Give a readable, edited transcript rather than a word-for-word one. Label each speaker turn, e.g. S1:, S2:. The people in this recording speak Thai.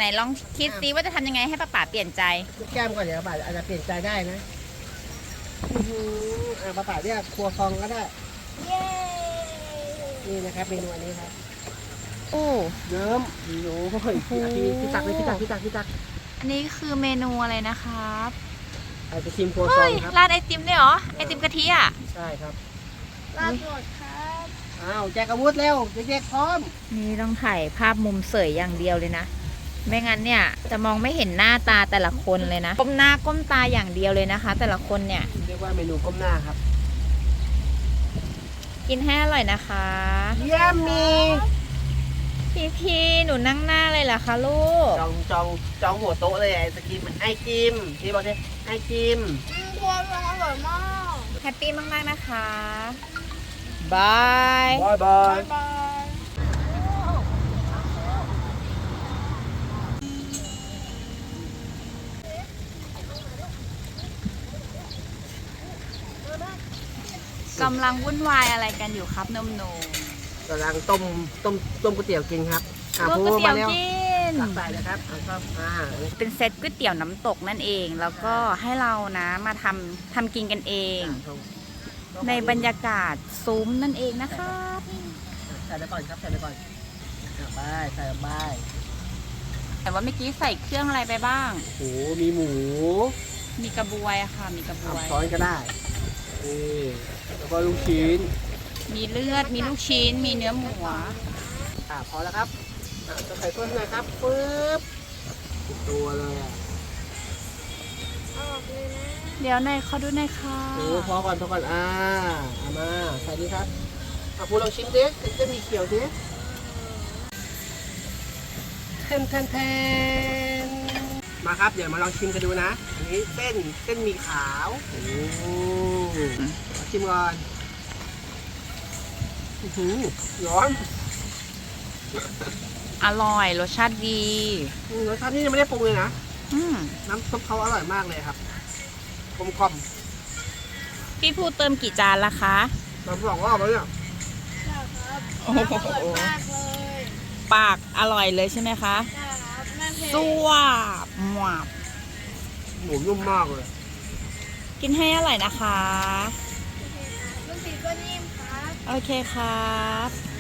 S1: นลองคิดซิว่าจะทำยังไงให้ป้าเปลี่ยนใจ
S2: ลูกแก้มก่อนเดี๋ยวป้าอาจจะเปลี่ยนใจได้นะป้าเรียกครัวฟองก็ได้
S1: เย้
S2: นี่นะครับเมนูอันนี้ครับ
S1: โอ้
S2: เยิ้มโอ้โหพี่ตักเลยพี่ตัก
S1: อันนี้คือเมนูอะไรนะครับ
S2: ไอศครีมครัวซองครับ
S1: ราดไอติมด้วยเหรอไอติมกะทิอ่ะ
S2: ใช่ครับ
S3: ราดหมดครับ
S2: อ้าวแจกอาวุธเร็วเด็กๆพร้อม
S1: นี่ต้องถ่ายภาพมุมเสยอย่างเดียวเลยนะไม่งั้นเนี่ยจะมองไม่เห็นหน้าตาแต่ละคนเลยนะก้มหน้าก้มตาอย่างเดียวเลยนะคะ แต่ละคนเนี่ย
S2: เรียกว่าเมนูก้มหน้าครับ
S1: กินให้อร่อยนะคะ
S2: เยี่ยมมี
S1: พี่หนูนั่งหน้าเลยเหรอคะลูก
S2: จองหัวโต๊ะเลยไอศกรีมไอจิมพี่บอกเลยไอจิม
S3: ครัวฟองอร่อยมาก
S1: แฮปปี้มากๆนะคะบาย
S2: บาย
S3: บาย
S1: กำลังวุ่นวายอะไรกันอยู่ครับนมหนู
S2: กำลังต้มก๋วยเตี๋ยวกินครับ
S1: ต้มก๋วยเตี๋ยวกิน
S2: ตักใส่เลยครับครับ
S1: เป็นเซตก๋วยเตี๋ยวน้ำตกนั่นเองแล้วก็ให้เรานะมาทำกินกันเองในบรรยากาศซุ้มนั่นเองนะคะ
S2: ใส่ไปก่อนครับใส่ไปก่อนไปใส่ไป
S1: แต่ว่าเมื่อกี้ใส่เครื่องอะไรไปบ้าง
S2: โอ้มีหมู
S1: มีกระบวยค่ะมีกระบวย
S2: ช้อนก็ได้แล้วก็ลูกชิ้น
S1: มีเลือดมีลูกชิ้นมีเนื้อหมู
S2: พอแล้วครับจะใส่เพิ่มหน่อยครับปึ๊บตัวเลย
S3: ออกเลยนะ
S1: เดี๋ยวหน่อยเขาดูหน่อยค่ะ
S2: พอก่อนเอามาใส่ดีครับพูดลองชิมดิจะมีเขียวดิแทนมาครับเดี๋ยวมาลองชิมกันดูนะอันนี้เส้นหมี่ขาวชิมก่อนร้อน
S1: อร่อยรสชาติดี
S2: รสชาตินี่ยังไม่ได้ปรุงเลยนะน้ำซุปเขาอร่อยมากเลยครับกลม
S1: พี่พูเติมกี่จานละคะ
S2: มา2 รอบแล้วเนี่ย
S3: ครับอร่อยมากเลย
S1: ปากอร่อยเลยใช่ไหมคะ
S3: ใช่ครับ
S1: สวบหวบ
S2: หมูนุ่มมากเลย
S1: กินให้อร่อยนะคะ
S3: ลูกศิษย์ก็นิ่มครับ
S1: โอเคครับ